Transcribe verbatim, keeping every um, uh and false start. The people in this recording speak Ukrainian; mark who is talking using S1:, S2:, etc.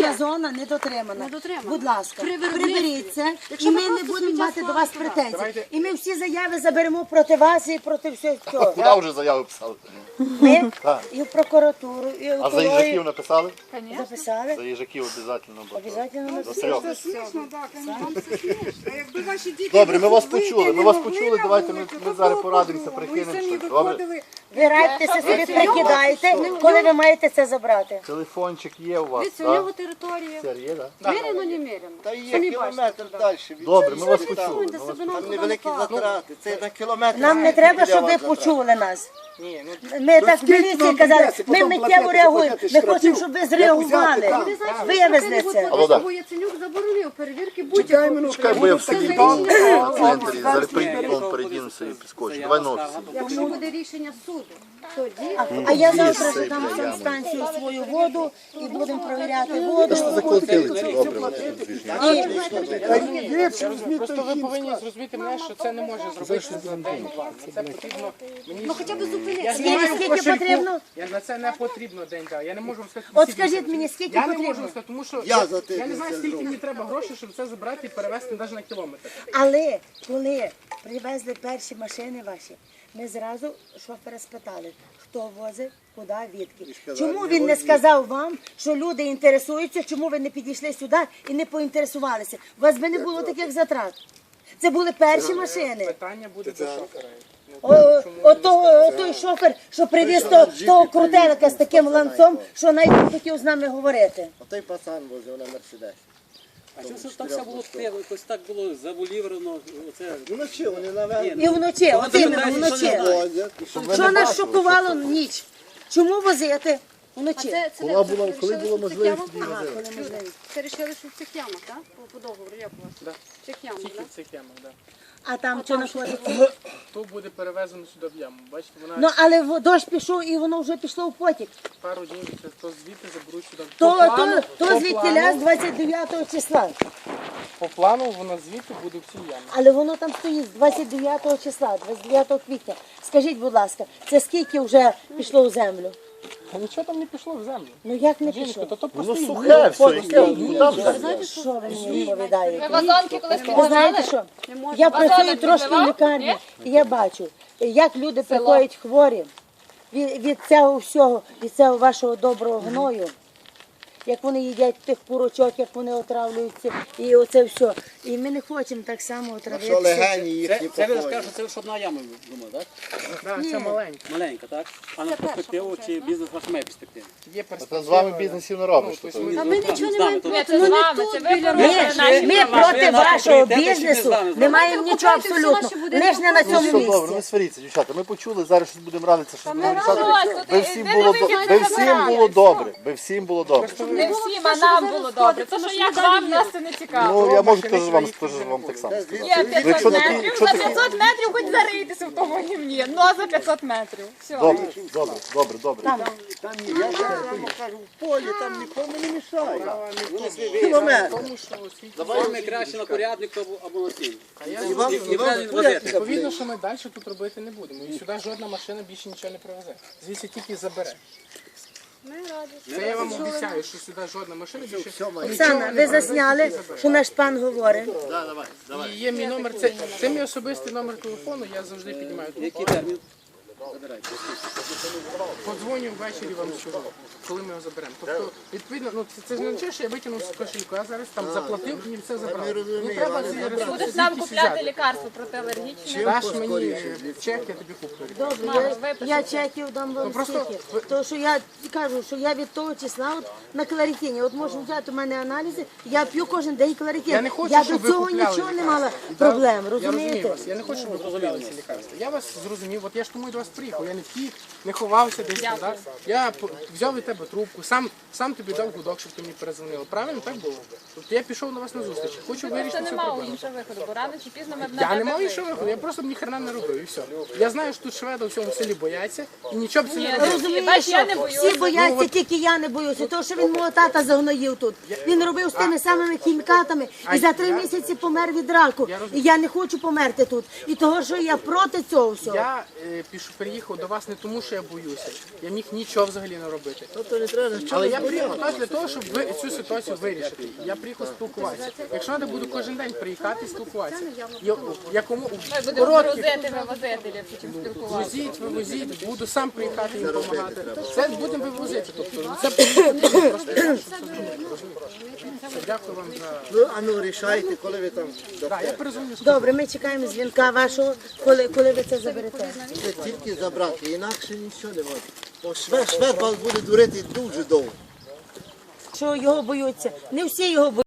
S1: Буферна зона не дотримана. Будь ласка, приберіться, і ми не будемо мати до вас претензій. І ми всі заяви заберемо проти вас і проти всього цього.
S2: Куди вже заяви писали?
S1: Ми і в прокуратуру, і в
S2: А за їжаків
S1: екологію
S2: написали?
S1: записали.
S2: За їжаків обов'язково.
S1: Обов'язково
S2: написали.
S3: Якби ваші діти
S2: Добре, ми вас почули, ми
S3: вийти
S2: вас
S3: не могли
S2: почули,
S3: на
S2: давайте ми,
S3: вулицю,
S2: ми
S3: то
S2: зараз
S3: було
S2: порадимося,
S3: по-другому.
S2: прикинемо
S3: Ви самі
S2: щось. Добре?
S3: виходили.
S1: Ви радьтеся собі, прикидайте, коли ви маєте це забрати.
S2: Телефончик є у вас,
S4: Дивіться, у нього
S2: так?
S4: територія.
S2: Це є, так?
S4: Міряно, не міряно.
S5: Та є
S4: Самі
S5: кілометр
S4: бачите.
S5: далі. від
S2: Добре,
S5: цієї
S2: ми вас
S5: сюди.
S2: почули.
S4: Де себе нам
S5: Там
S4: туди
S5: невеликі
S4: не пахне.
S5: затрати. Це на кілометр.
S1: Нам не
S5: скільки
S1: треба,
S5: для
S1: щоб
S5: вас
S1: ви
S5: затрат?
S1: почули нас.
S3: Ні, ну,
S1: Ми так в
S3: скільки
S1: міліції
S3: вам
S1: казали,
S3: прийдеться
S1: ми
S3: потім
S1: миттєво
S3: платити,
S1: реагуємо.
S3: платити
S1: Ми
S3: штрафів?
S1: хочемо, щоб ви
S3: Як
S1: зреагували,
S3: взяти там?
S4: Ви знаєте,
S1: вивезли
S4: що
S1: це.
S2: Алло, да.
S4: Бо Яценюк заборонив перевірки
S3: Чекай
S4: будь-якого.
S3: минутку.
S2: Чекай, бо я в такій
S4: Це рішення
S2: на центрі, зараз прийду, передінуся і підскочу. Давай на офісі.
S4: Якщо буде рішення суду, тоді
S1: А я завтра ж дам санстанцію свою воду і будемо провіряти воду.
S2: Заплатили це, добре.
S3: Просто ви повинні зрозуміти мене, що це не може зробити за день-два. Це потрібно мені.
S4: ну хоча б зупинитися.
S3: Я
S1: Скільки-
S3: знімаю в
S1: скільки
S3: кошельку.
S1: потрібно?
S3: Я на це не потрібно день-два. Я не можу вам сказати.
S1: От
S3: скільки
S1: скажіть
S3: це.
S1: мені, скільки
S3: Я не
S1: потрібно?
S3: можу вам сказати, тому що
S5: Я
S3: я,
S5: за те,
S3: я не
S5: що
S3: знаю,
S5: це
S3: скільки
S5: зроблю.
S3: мені треба грошей, щоб це забрати і перевезти навіть на кілометр.
S1: Але коли привезли перші машини ваші, ми зразу шофера спитали, хто возив, куди, відки. Чому він не сказав вам, що люди інтересуються, чому ви не підійшли сюди і не поінтересувалися? У вас би не було таких затрат. Це були перші машини.
S3: Питання буде до шофера.
S1: О, о, то- той шофер, що привіз то- того крутелика з таким ланцом, що навіть не хотів з нами говорити.
S5: А той пацан возив на Мерседесі.
S6: А що ж так все було тихо, якось так було завулівано, оце...
S5: Вночі вони навели.
S1: І вночі, от іменно вночі.
S5: Возять.
S1: Що нас шокувало ніч? Чому возити
S4: А
S1: вночі?
S4: це, це
S2: Коли
S4: де?
S2: було-
S4: Це
S2: коли
S4: рішили,
S2: було
S4: що в цих
S2: можливість,
S4: ямах?
S2: тоді
S1: Ага,
S2: возили.
S1: коли можливість.
S4: Це рішили, що в цих ямах, так? По, по договору, як у вас?
S3: Да.
S4: В цих ямах,
S3: Тільки
S4: так?
S3: в цих ямах, так.
S1: А там що знаходиться?
S3: То буде перевезено сюди в яму. Бачите, вона
S1: Ну, але в- дощ пішов і воно вже пішло в потік.
S3: пару днів це то звідти заберуть сюди.
S1: То,
S3: По плану-
S1: то,
S3: по
S1: то звідтіля з
S3: плану-
S1: двадцять дев'ятого числа.
S3: По плану воно звідти буде в цій ямі.
S1: Але воно там стоїть з двадцять дев'ятого числа, двадцять дев'ятого квітня. Скажіть, будь ласка, це скільки вже пішло в землю?
S3: А нічого там не пішло в землю.
S1: Ну як не
S3: Жіночко,
S1: пішло?
S3: то то
S2: Воно
S3: просто
S2: сухе все, яке, куди вже?
S1: Що ви мені відповідаєте?
S7: Вазонки колись
S1: Ви знаєте що? Я працюю трошки в лікарні, і я бачу, як люди приходять хворі від, від цього всього, від цього вашого доброго гною. Як вони їдять тих курочок, як вони отравлюються, і оце все. І ми не хочемо так само
S5: Що
S1: отравитися.
S5: легені їхні
S6: Це, це ви
S5: походять.
S6: скажете, це лише одна яма, думаю, так?
S3: Да, це маленьке.
S6: Маленька, так? А на перспективу чи бізнес ваш має перспективу?
S3: Є
S2: Та
S3: перспектива.
S2: з вами бізнесів не робиш.
S3: Ну,
S2: то
S3: тобто
S2: то-
S4: А ми нічого не маємо
S6: Ні,
S4: проти.
S7: це
S4: Ну
S7: з
S4: не
S7: вами,
S4: тут
S7: це ви
S4: біля
S7: порушуєте
S4: нас.
S7: наші
S1: Ми
S7: права.
S1: проти
S6: Ви наші
S1: вашого
S6: пріоритети
S1: бізнесу
S6: чи не з
S1: не
S6: нами?
S1: маємо нічого
S4: Окупуйте всі
S1: абсолютно.
S4: наші будинки.
S1: Лиш не на
S2: Ну,
S1: цьому
S2: все добре, не
S1: місці.
S2: сваріться, дівчата. Ми почули, зараз щось будемо радитися, що будемо рішати.
S7: Ось,
S2: Би
S7: тут
S2: всім
S7: іди
S2: було
S7: на
S2: до-
S7: вихід,
S2: би
S7: не
S2: всім
S7: забирай.
S2: було добре, би всім було добре.
S7: Не всім, а нам було добре. Це що як вам, нас це не цікаво.
S2: Ну, я можу теж вам теж вам так само сказати.
S7: Є
S2: Якщо
S7: п'ятсот
S2: такі-
S7: метрів,
S2: якщо
S7: за
S2: такі-
S7: п'ятсот метрів хоч зарийтеся в тому гімні. Ну, а за п'ятсот метрів. Все.
S2: Добре, добре, добре, добре.
S5: Там ні, я кажу, кажу, в полі там нікому не мішає.
S6: Вони свій
S5: Кілометр.
S3: Тому що освіті.
S6: Давай краще на порядник або, або на сім.
S3: А я
S5: І вам, і вам
S6: правильно
S5: буде
S6: возити.
S3: Відповідно, що ми далі тут робити не будемо. І сюди жодна машина більше нічого не привезе. Звідси тільки забере.
S4: Ми раді.
S3: Це я вам обіцяю, що сюди жодна машина більше нічого
S1: Оксана,
S3: не
S1: ви
S3: привезе,
S1: засняли,
S3: тільки забере.
S1: що наш пан говорить.
S3: І є мій номер, це, це мій особистий номер телефону, я завжди піднімаю
S6: Який
S3: телефон.
S6: термін? Забирайте.
S3: Подзвоню ввечері вам скажу, коли ми його заберемо. Тобто, відповідно, ну це, це ж не означає, що я витягнув з кошельку, я зараз там заплатив і все забрав. Не треба ці ресурси
S7: Будеш нам
S3: звідкись
S7: купляти
S3: взяти.
S7: лікарство протиалергічне.
S3: Даш мені чек, я тобі куплю.
S1: Добре, я, я чеків дам вам
S3: просто
S1: скільки. Тому що я кажу, що я від того числа от, на кларитині, от можу взяти у мене аналізи, я п'ю кожен день кларитин.
S3: Я не хочу,
S1: я
S3: щоб
S1: до
S3: ви
S1: цього
S3: купляли
S1: нічого не
S3: лікарства.
S1: мала проблем,
S3: Я розумію
S1: розумієте?
S3: вас, я не хочу, щоб ви купляли ці лікарства. Я вас зрозумів, от я ж тому і до вас приїхав, я не втік, не ховався десь там, так? Я п- взяв від тебе трубку, сам, сам тобі дав гудок, щоб ти мені перезвонила. Правильно, так було? Тобто я пішов на вас на зустріч, хочу
S7: Це
S3: вирішити цю
S7: не мало
S3: проблему.
S7: іншого виходу, бо рано чи пізно ми б на
S3: Я не
S7: тебе
S3: мав
S7: вийшли.
S3: іншого виходу, я просто б ніхрена не робив і все. Я знаю, що тут шведи в цьому селі бояться і нічого б це не робили.
S1: Розумієш,
S7: Бач, я не
S1: що
S7: боюся.
S1: всі бояться, тільки я не боюся, тому що він мого тата загноїв тут. Він робив з тими самими хімікатами і за три місяці помер від раку. І я не хочу померти тут. І того, що я проти цього всього.
S3: Я е, піш, приїхав до вас не тому, що я боюся. Я міг нічого взагалі не робити.
S5: Тобто не треба, що
S3: Але я приїхав так для того, щоб ви цю ситуацію вирішити. Я приїхав спілкуватися. Якщо треба, буду кожен день приїхати і спілкуватися. Я, якому
S7: Ми будемо
S3: коротких
S7: грузити, вивозити, ліпше, чим спілкуватися.
S3: возіть, вивозіть, буду сам приїхати їм допомагати. Це будемо вивозити. Тобто це потрібно просто. Дякую вам за.
S5: Ну, а ну рішайте, коли ви там
S3: Так, я перезвоню.
S1: Добре, ми чекаємо дзвінка вашого, коли, коли ви це заберете.
S5: Це тільки забрати, інакше нічого не можна. Бо швед, швед вас буде дурити дуже довго.
S1: Що його боються. Не всі його боються.